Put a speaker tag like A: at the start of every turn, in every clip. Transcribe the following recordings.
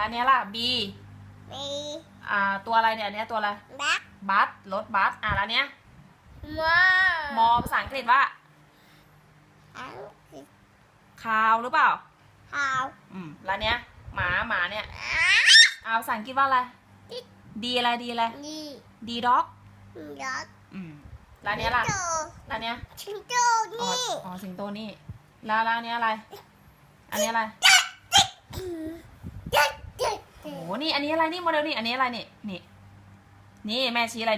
A: แล้วเนี้ยล่ะ B
B: มี
A: ตัวอะไรเนี่ยอันเนี้ยตัวอะไร
B: บัก
A: บัสรถบัสแล้วเนี้ย
B: มอ
A: มอภาษาอังกฤษว่า
B: อังกฤษ
A: คาวหรือเปล่า
B: ขาว
A: แล้วเนี้ยหมาเนี่ยภาษาอังกฤษว่าอะไร ดีอะไรดีอะไร
B: นี่
A: ดีด็อก
B: ยอด
A: แล้วเนี้ยล่ะแล้วเนี้ย
B: ชิงโจ้
A: อ๋อ
B: นี่
A: สิงโตนี่แล้วอันเนี้ยอะไร อันนี้อะไร
B: เจ๊เจ๊
A: โอ้โหนี่อันนี้อะไรนี่โมเดลนี่อันนี้อะไรนี่แม่ชี้อะไร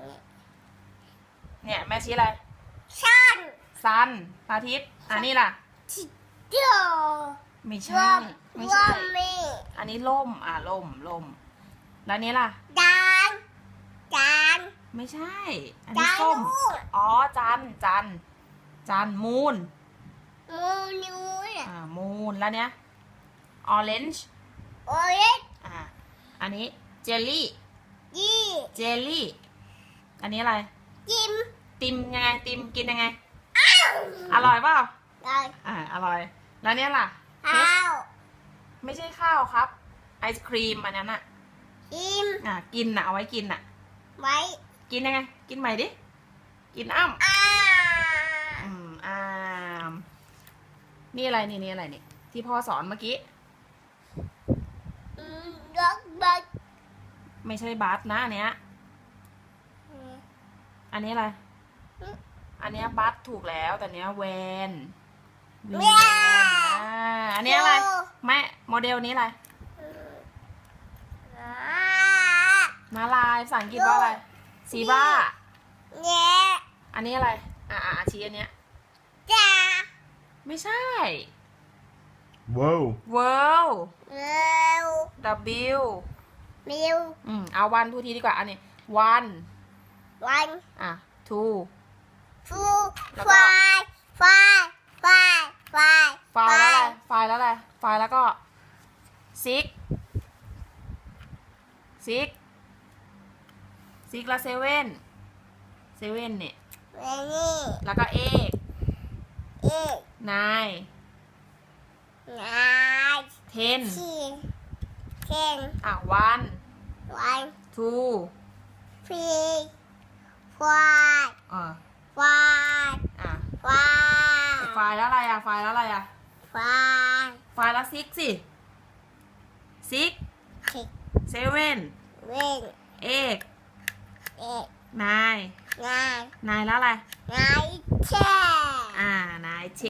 A: เนี่ยแม่ชี้อะไร
B: ชัน
A: ซันพระอาทิตย์นี่ล่ะ
B: ชิงโจ้
A: ไม่
B: ร
A: ใช่
B: วม
A: ไม่
B: รว
A: ใช่
B: มมี
A: อันนี้ล่มล่มแล้วนี้ล่ะ
B: จานจาน
A: ไม่ใช่ อันนี้ส้ม
B: ลูก
A: อ๋อจันมูน
B: มูนูน
A: มูนแล้วเนี้ยออเรนจ์
B: โอเรน
A: อันนี้เจลลี่
B: ยี่
A: เจลลี่ อันนี้อะไร
B: จิม
A: ติมยังไงติมกินยังไงอร่อยเปล่า
B: เลย
A: อร่อยแล้วเนี้ยล่ะ
B: ข้าว
A: ไม่ใช่ข้าวครับ ไอศครีมอันนั้น
B: จิม
A: กินเอาไว้กิน
B: ไว้
A: กินยังไง กินใหม่ดิกินอ้ำ อ้ามนี่อะไรนี่อะไรนี่ที่พ่อสอนเมื่อกี้
B: รถบัส
A: ไม่ใช่บัสนะอันเนี้ยอันนี้อะไรอันเนี้ยบัสถูกแล้วแต่เนี้ยแวนอันเนี้ยอะไรแม่โมเดลนี้อะไรม้าลายภาษาอังกฤษว่าอะไรซีบรา
B: เนี่ย
A: อันนี้อะไรชี้อันเนี้ย
B: จ้า
A: ไม่ใช่
C: Whoa.
A: world
B: เร็ว
A: W
B: มิว
A: เอาวันทูทีดีกว่าอันนี้ one
B: วัน
A: two
B: ฟู
A: แล้ว
B: ไฟ
A: ก็
B: ไฟไฟไฟ
A: ไฟล์แล้วอะไรไฟล์แล้วอะไรไฟล์แล้วก็ six แล้วเซเว่นเนี่ย
B: เวนี่
A: แล้วก็ eight
B: เอ็ก
A: nine
B: นาย
A: ten
B: ชีเข่ง
A: one
B: วัน
A: two
B: ฟีไฟ ไฟ ไฟ
A: ไฟล์แล้วอะไรไฟล์แล้วอะไร
B: ไฟ
A: ไฟล์แล้ว six สิ six
B: คิก
A: seven
B: เว้น
A: eight
B: เอ็ก
A: nine
B: นาย
A: nine แล้วอะไร
B: นายแช่
A: nine